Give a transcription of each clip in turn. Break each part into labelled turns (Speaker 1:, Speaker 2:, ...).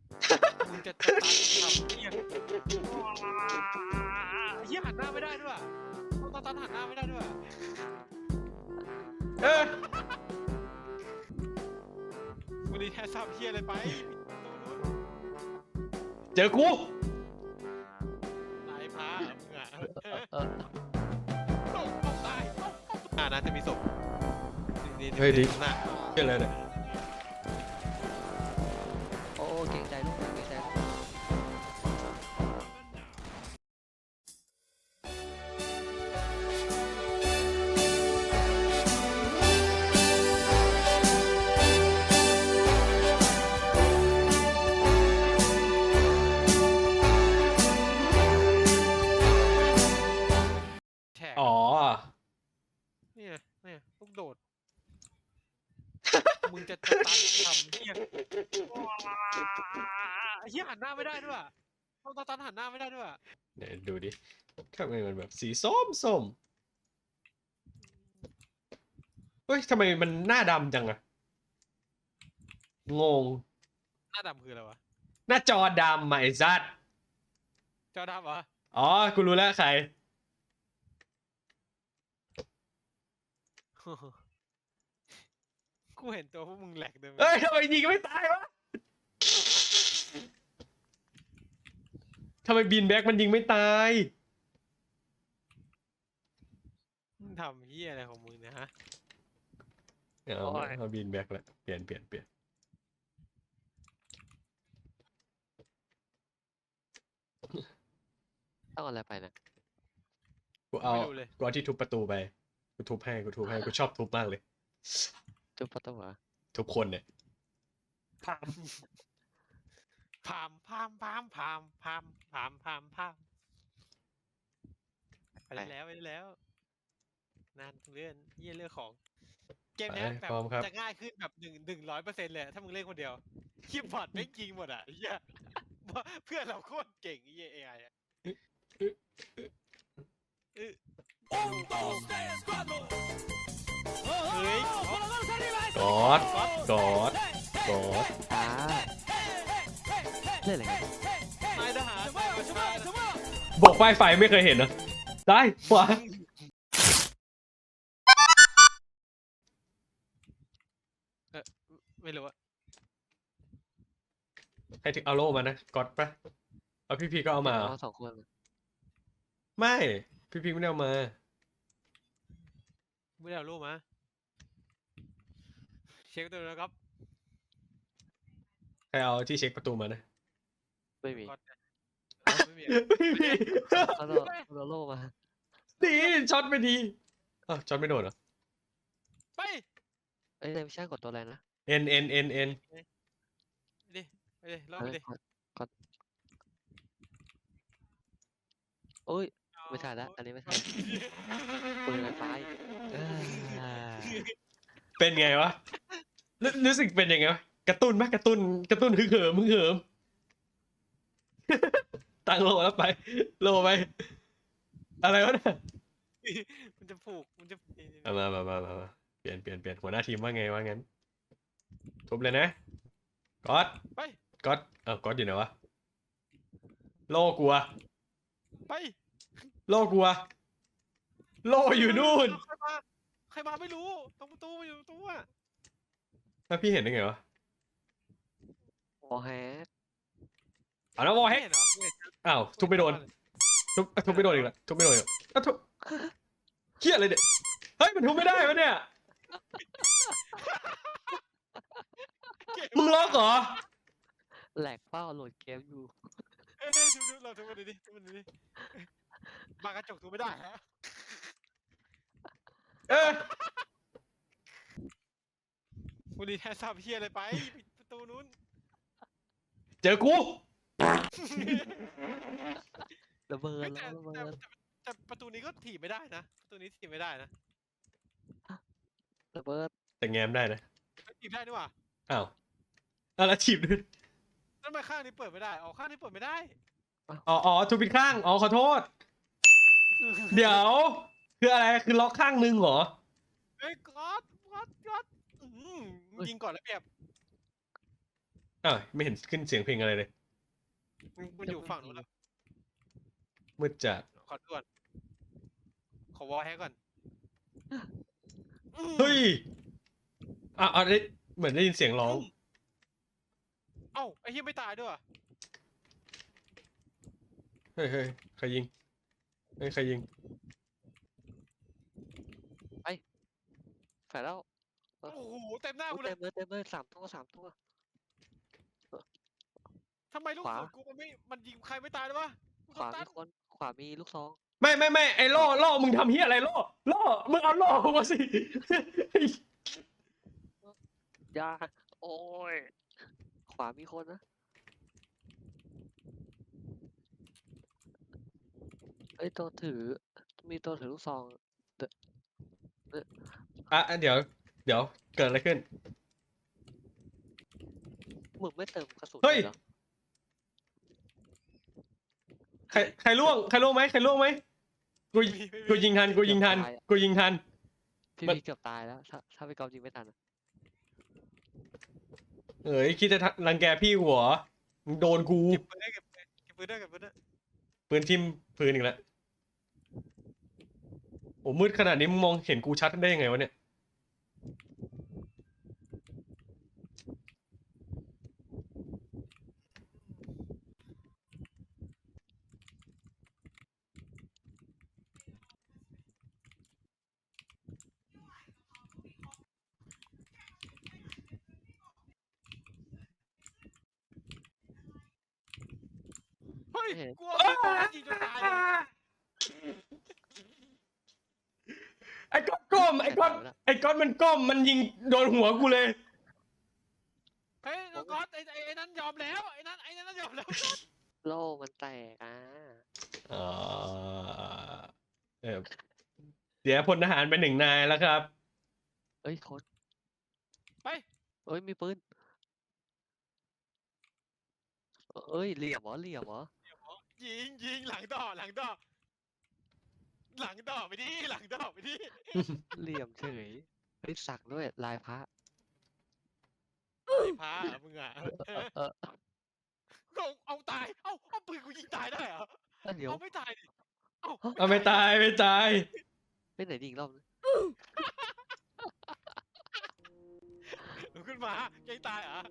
Speaker 1: มึงจะตันทำเฮียเฮียหันหน้าไม่ได้ด้วยต้องตันหันหน้าไม่ได้ด้วยวันนี้แทสซับเฮียอะไรไป
Speaker 2: เจอกู
Speaker 1: นายพามึงอ่ะต้องตายน่าจะมีศพนี่
Speaker 2: เฮ้ยดิ
Speaker 1: หน้า
Speaker 2: เจอเลยเนี่ย
Speaker 3: โอ้เก่งใจลูกเก่งใจลูก
Speaker 1: แฉก
Speaker 2: อ๋อ
Speaker 1: เนี่ยลูกโดดมึงจะตันทำเฮียหันหน้าไม่ได้ด้วยต้องตันหันหน้าไม่ได้ด้วย
Speaker 2: เดี๋ยวดูดิทำไมมันแบบสีส้มเฮ้ยทำไมมันหน้าดำจังอะงง
Speaker 1: หน้าดำคืออะไรวะ
Speaker 2: หน้าจอดำอะไอ้ซัด
Speaker 1: จอดำเหรอ
Speaker 2: อ๋อ กูรู้แล้วใคร
Speaker 1: กูเห็นตัวพวกมึงแหลกเดิน
Speaker 2: เฮ้ยทำไมยิงไม่ตายวะทำไมบีนแบ็กมันยิงไม่ตาย
Speaker 1: มึงทำเฮียอะไรของมึงเนะฮะ
Speaker 2: เอาบีนแบ็กแล้วเปลี่ยน
Speaker 3: ต้องอะไรไปนะ
Speaker 2: กูเอา
Speaker 1: ไม่รู้เลย
Speaker 2: กูเอาที่ทุบประตูไปกูทุบให้กูชอบทุบมากเลย
Speaker 3: จุ๊บประตูเหรอ
Speaker 2: ทุกคนเนี่ย
Speaker 1: พามพามพามพามพามพามพามพามพามไปแล้วนานเลื่อนเยี่ยเรื่องของเกมเนี้ยแบบจะง่ายขึ้นแบบ100%เลยถ้ามึงเล่นคนเดียวคีย์บอร์ดไม่จริงหมดอ่ะเฮียเพื่อนเราโคตรเก่งเฮีย AI อ่ะเฮ้ย
Speaker 2: กอด
Speaker 3: อ่าเล่นอะไรกัน
Speaker 1: นายทหารนายมาช่วยนะ
Speaker 2: บอกป้ายไฟไม่เคยเห็นนะได้ขวา
Speaker 1: ไม่รู้อะ
Speaker 2: ให้ถึงเอาโล่มานะกอดปะเอาพี่ก็เอามา
Speaker 3: เอาสองคน
Speaker 2: ไม่พี่ไม่ได้เอามา
Speaker 1: ไม่ได้เอารูปมาเช็คตัวแล้วครับ
Speaker 2: ใครเอาที่เช็คประตูมานะ
Speaker 3: ไม่มี
Speaker 1: ก๊อตเนี่ยไม่มี
Speaker 2: ไม่มี
Speaker 3: เราโล่มา
Speaker 2: ดีช็อตไม่ดีอ้าวช็อตไม่โดนเหรอ
Speaker 1: ไป
Speaker 3: เอ้ยไม่ใช่กดตัวอะไรนะ
Speaker 2: N
Speaker 1: ดิไปดิลองไปดิ
Speaker 3: กดโอ้ยไม่ใช่ละอันนี้ไม่ใช่ปืนไฟฟ้าอีก
Speaker 2: เป็นไงวะรู้สึกเป็นยังไงวะกระตุ้นไหมกระตุ้นฮึกเหิมตั้งโลแล้วไปโลไปอะไรวะเนี่ย
Speaker 1: มันจะผูกมันจะ
Speaker 2: มาเปลี่ยนหัวหน้าทีมว่าไงว่างั้นทุบเลยนะก๊อต
Speaker 1: ไป
Speaker 2: ก๊อตก๊อตอยู่ไหนวะโลกลัว
Speaker 1: ไป
Speaker 2: โลกลัวโลอยู่นู่น
Speaker 1: ใครมาไม่รู้ตรงประตูอยู่ตรงตู้อะ
Speaker 2: แล้วพี่เห็นได้ไงวะ
Speaker 3: วอลแฮก
Speaker 2: เอาแล้ววอลเฮก
Speaker 1: ไม่เห็นเหรอ
Speaker 2: อ้าวทุบไม่โดนทุบไม่โดนอีกแล้วทุบไม่โดนอีกแล้วทุบเฮี้ยอะไรเนี่ยเฮ้ยมันทุบไม่ได้วะเนี่ยมึงล็อกเหรอ
Speaker 3: แหลกเป้าโหลดเกมอยู่
Speaker 1: ดูเราทุบมันดิมากระจกทุบไม่ได้ฮะ วันนี้แทสซับเฮียอะไรไปปิดประตูนู้น
Speaker 2: เจอกู
Speaker 3: ระเบิด
Speaker 1: เฮ้ย
Speaker 3: แล้วระเบิด
Speaker 1: แต่ประตูนี้ก็ถีบไม่ได้นะประตูนี้ถีบไม่ได้นะ
Speaker 3: ระเบิด
Speaker 2: แต่แง้มได้นะ
Speaker 1: ถีบได้นี่หว่า
Speaker 2: อ้าวแล้วถีบด้วย
Speaker 1: แล้วทำไมข้างนี้เปิดไม่ได้อ๋อข้างนี้เปิดไม่ได้
Speaker 2: อ๋อทุบผิดข้างอ๋อขอโทษเดี๋ยวคืออะไรคือล็อกข้างนึงเหรอ
Speaker 1: เฮ้ยก๊อตยิงก่อนแล้วเปรียบ
Speaker 2: อ้าวไม่เห็นขึ้นเสียงเพลงอะไรเลย
Speaker 1: มันอยู่ฝั่งนู้นแล้ว
Speaker 2: มืดจัด
Speaker 1: ขอด่วนขอวอลแฮกก่อน
Speaker 2: เฮ้ยได้เหมือนได้ยินเสียงร้อง
Speaker 1: เอ้าไอ้เหี้ยไม่ตายด้วย
Speaker 2: เฮ้ยใครยิงเฮ้ยใครยิง
Speaker 3: แฝดแล้ว
Speaker 1: โอ้โหเต็มหน้ากูเล
Speaker 3: เต็
Speaker 1: ย
Speaker 3: มเลยสามตัว
Speaker 1: ทำไมลูก
Speaker 3: ขวา
Speaker 1: ศรกูมันยิงใครไม่ตายเลยวะ
Speaker 3: ขวามีคนขวามีลูกซอง
Speaker 2: ไม่ไอ้ล่อมึงทำเฮียอะไรล่อมึงเอาล่อกูมาสิ
Speaker 3: ยาโอ้ยขวามีคนนะไอ้ยตัวถือมีตัวถือลูกซอง
Speaker 2: เดี๋ยวเกิดอะไรขึ้น
Speaker 3: มึงไม่เติมกระสุน
Speaker 2: เฮ้ย
Speaker 3: เหรอ
Speaker 2: ใครล่วงไหมกูยิงทัน
Speaker 3: พี่
Speaker 2: มัน
Speaker 3: เกือบตายแล้วถ้าไปกอล์ฟยิงไม่ทันอะ
Speaker 2: เอ้ยคิดจะรังแกพี่หัวมึงโดนกู
Speaker 1: เก็บปืนได้เก็บปืนได้
Speaker 2: ปืนทิ่มพื้นอีกแล้วโอ้มืดขนาดนี้มึงมองเห็นกูชัดได้ยังไงวะเนี่ย
Speaker 1: เฮ้ยกลัวไม่ตายยิงจนตายเลย
Speaker 2: ไอ้ก๊อตก้มไอ้ก๊อตมันก้มมันยิงโดนหัวกูเลย
Speaker 1: เฮ้ยน้องก๊อตไอ้นั้นยอมแล้วไอ้นั้นยอมแล้ว
Speaker 3: โล่มันแตก
Speaker 2: อ๋อเสียพลทหารไป1 นายแล้วครับ
Speaker 3: เอ้ยคน
Speaker 1: ไป
Speaker 3: เอ้ยมีปืนเอ้ยเหลี่ยมเหรอ
Speaker 1: ยิงหลังต่อไปดิหลังต่อไปดิ
Speaker 3: เหลี่ยมเฉยเฮ้ยสักด้วยลายพระ
Speaker 1: ไอ้พามึงอ่ะ
Speaker 3: เออ
Speaker 1: เอาตายเอาปืนกูยิงตายได้เหรอ
Speaker 3: เดี๋ยว
Speaker 1: เอาไม่ตายดิเอา
Speaker 2: เอาไม่ตาย
Speaker 3: ไปไหนดีอีกรอบนึง
Speaker 1: ลุกขึ้นมาแกล้งตายเหรอ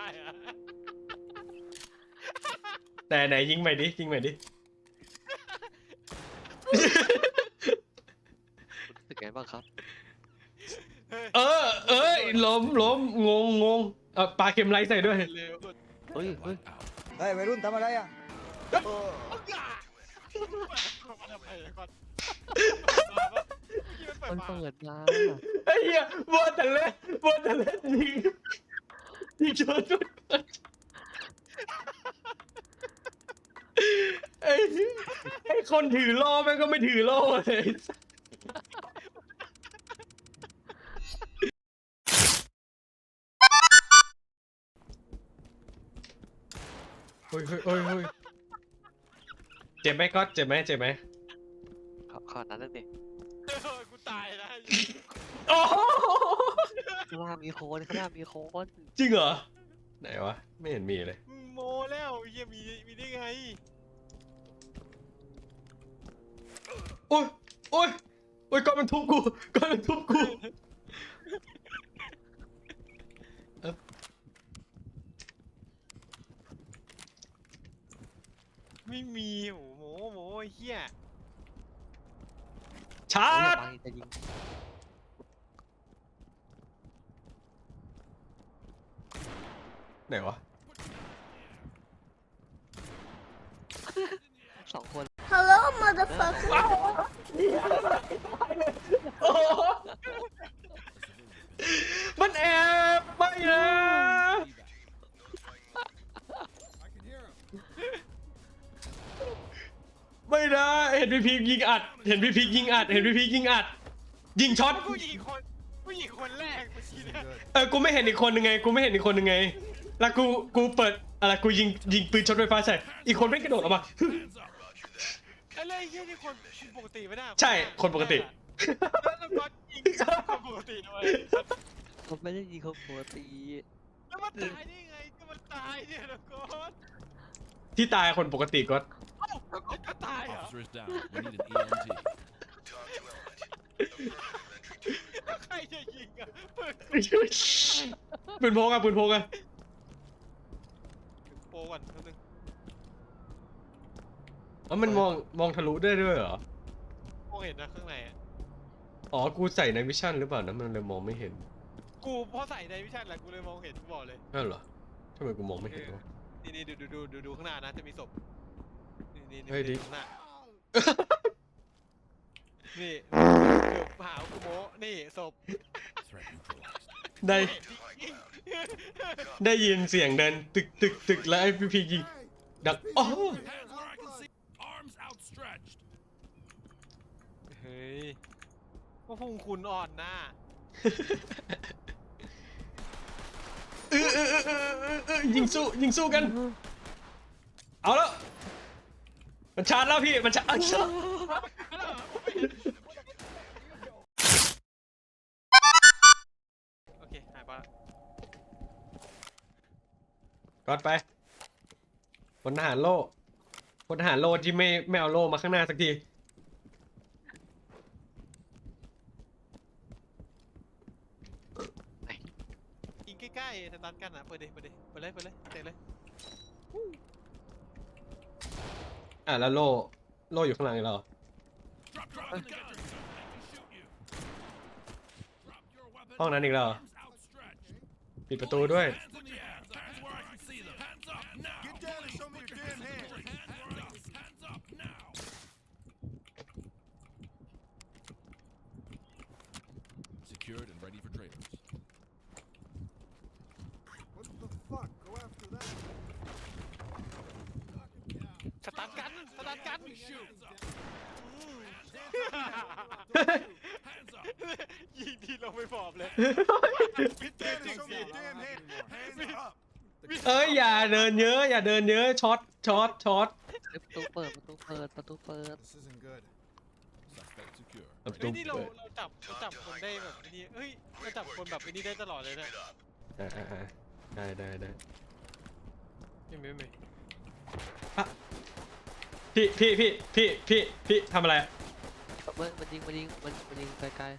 Speaker 2: แต่ไหนยิงใหม่ดิ
Speaker 3: รู้สึกไงบ้างครับ
Speaker 2: เอ้ยล้มงงปลาเค็มไรใส่ด้วย
Speaker 1: เร็ว
Speaker 3: เฮ้ย
Speaker 4: เฮ้ยวัยรุ่นทำอะไรอ่ะ
Speaker 1: เอากาทำไมก่อน
Speaker 3: มันเปิดมา
Speaker 2: ไอ้เหี้ยบัวแต่เล่นยิงชนไอ้คนถือล่อแม่งก็ไม่ถือล่อเลยเฮ้ยเจ็บไหมก๊อตเจ็บไหม
Speaker 3: ขอนั้นนั่นดิ
Speaker 1: กูตายนะ
Speaker 2: โอ้โห
Speaker 3: ข้างหน้ามีคน
Speaker 2: จริงเหรอไหนวะไม่เห็นมีเลย
Speaker 1: โมแล้วเฮียมีได้ไง
Speaker 2: โอ้ยก้อนมันทุบกู
Speaker 1: ไม่มีโมเฮีย
Speaker 2: ชาร์จ
Speaker 3: ไปจะยิง
Speaker 2: ไหนวะ
Speaker 3: 2 คน
Speaker 5: Hello, motherfucker.
Speaker 2: โอ้โหมันแอบไม่นะไม่นะเห็นพี่พียิงอัดยิงช็อต
Speaker 1: ผู้หญิงคนแรกเมื่อกี้เนี่ย
Speaker 2: กูไม่เห็นอีกคนนึงไงแล้วกูเปิดอะไรกูยิงปืนช็อตไฟฟ้าใส่อีกคนไม่งกระโดดออกมา
Speaker 1: อะไรเฮียนี่คนปกติไม่ได้
Speaker 2: ใช่คนปกติ
Speaker 1: แล้วก็ยิงคนปกติด้วย
Speaker 3: เขาไม่ได้ยิงเขาปกติ
Speaker 1: แล้วมันตายได้ไงก็มันตายเนี่ยนะโกด
Speaker 2: ที่ตายคนปกติก็
Speaker 1: เอ้าแล้วก็จะตายเหรอ
Speaker 5: Officer is down. We need an EMT.
Speaker 1: ใครจะยิงอ่ะเปิด
Speaker 2: ปืนพกอะปืนพกอะ
Speaker 1: โปรก่อนแป๊บนึง
Speaker 2: อ๋อมันมองทะลุได้ด้วยเหรอ
Speaker 1: โปรเห็นนะข้างในอ่ะ
Speaker 2: อ๋อกูใส่ในวิชั่นหรือเปล่านะมันเลยมองไม่เห็น
Speaker 1: กูพอใส่ในวิชั่นแหละกูเลยมองเห็นกูบอกเลย
Speaker 2: นั่นเหรอทำไมกูมองไม่เห็นวะ
Speaker 1: นี่ดูข้างหน้านะจะมีศพนี่
Speaker 2: เฮ้ยดิ
Speaker 1: ข้างหน้านี่เกือบหากูโมนี่ศพ
Speaker 5: Threat neutralized.
Speaker 2: ได้ได้ยินเสียงเดินตึกแล้วไอ้พียิงดังอ๋อ
Speaker 5: Hands where I can see. Arms outstretched.
Speaker 1: เฮ้ยว่าพุงคุณอ่อนหน้า
Speaker 2: ยิงสู้กัน เอาแล้วมันชาร์จแล้วพี่มันชาร์จ
Speaker 1: โอเคหายไปละ
Speaker 2: ก่อนไปพลทหารโล่พลทหารโล่ที่ไม่เอาโล่มาข้างหน้าสักที
Speaker 1: ยิงใกล้ๆสตันกันอ่ะเปิดเลยเตะเลย
Speaker 2: อ่ะแล้วโล่อยู่ข้างหลังอีกแล้วเหรอ
Speaker 5: Drop the gun. Shoot you. Drop your weapon.
Speaker 2: ห้องนั้นอีกแล้วเหรอ
Speaker 5: Arms outstretched.
Speaker 2: ปิดประตูด้วย
Speaker 5: Hands in the air. Hands where I can see them. Hands up now.
Speaker 4: Get down and show me your damn hands.
Speaker 5: Hands up now. Secured and ready for trailers.
Speaker 4: What the fuck? Go after that.
Speaker 1: สตันกัน
Speaker 5: Hands up.
Speaker 1: อืม
Speaker 5: Hands up.
Speaker 1: ยิงทีลงไปบอบเลย
Speaker 4: Get down and show me your damn hands. Hands up.
Speaker 2: เอ้ยอย่าเดินเยอะช็อต
Speaker 3: เฮ้ยประตูเปิด
Speaker 4: This isn't good.
Speaker 5: Suspect secure.
Speaker 2: ประ
Speaker 1: เฮ้
Speaker 2: ตู
Speaker 1: ยนี่เรา
Speaker 2: เปิด
Speaker 1: จับคนได้แบบนี้เฮ้ยเราจับคนแบบนี้ได้ตลอดเลยนะ
Speaker 2: อ่าได้
Speaker 1: ไม่
Speaker 2: พี่ทำอะไรอะ
Speaker 3: มันยิงไกล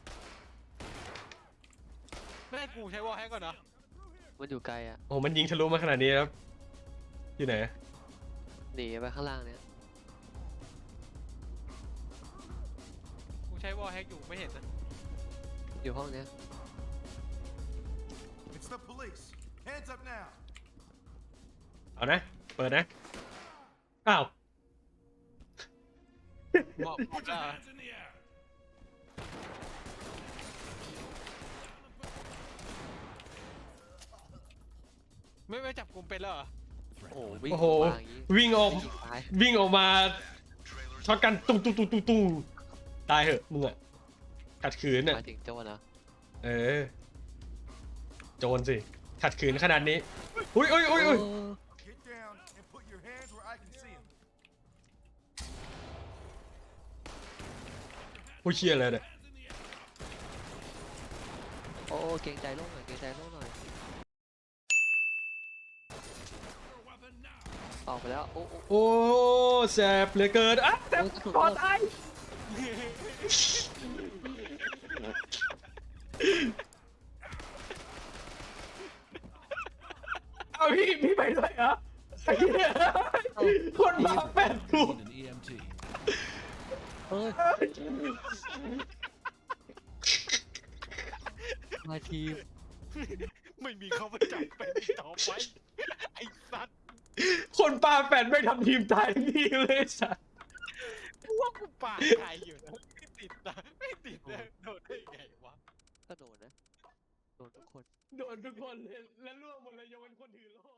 Speaker 1: ไม่ให้กูใช้วอลแฮกก่อนเนาะ
Speaker 3: ๆมันอยู่ไกลอ่ะ
Speaker 2: โอ้มันยิงทะลุมาขนาดนี้แล้วอยู่ไหน
Speaker 3: หนีไปข้างล่างเนี่ย
Speaker 1: กูใช้วอลแฮกอยู่ไม่เห็นนะ
Speaker 3: อยู่ห้องเนี้ย
Speaker 4: It's the police. Hands up now.
Speaker 2: เอานะเปิดนะอ้าว
Speaker 1: บอก
Speaker 5: Put your hands in the air.
Speaker 1: ไม่จับกลุ่มเป็นแล้วเหรอ
Speaker 3: โอ้วิ่ง
Speaker 2: โอ้โห
Speaker 3: มาอย่างงี้
Speaker 2: วิ่งออก
Speaker 3: ยิงตาย
Speaker 2: วิ่งออกมาช็อตกันตุ้งตายเหอะมึงอะขัดขืน
Speaker 3: ห
Speaker 2: อะ
Speaker 3: มายถึงโจรนะ
Speaker 2: เออโจรสิขัดขืนขนาดนี้อุ้ย
Speaker 4: Get down and put your hands where I can see them.
Speaker 2: ผู้เชี่ยเลยเนี่ย
Speaker 3: โอ้เกรงใจโลกหน่อย
Speaker 5: Your weapon now.
Speaker 3: ออกไปแล้วโอ้
Speaker 2: โอ้แสบเหลือเกินอ่ะแสบคอตายเอาพี่ไปด้วยเหรอไอ้เหี้ยคนมาแปดกู
Speaker 5: We need an EMT.
Speaker 3: เฮ้ยมาทีม
Speaker 1: ไม่มีเขามาจับเป็นอีกต่อไปไอ้สัตว์
Speaker 2: คนปาแปดไม่ทำทีมตายทั้งทีเลยสัส
Speaker 1: กูว่ากูปาดใครอยู่นะไม่ติดนะโดนได้ไงวะ
Speaker 3: ก็โดนนะโดนทุกคน
Speaker 2: โดนทุกคนเลยและล่วงหมดเลยยกเว้นคนถือโล่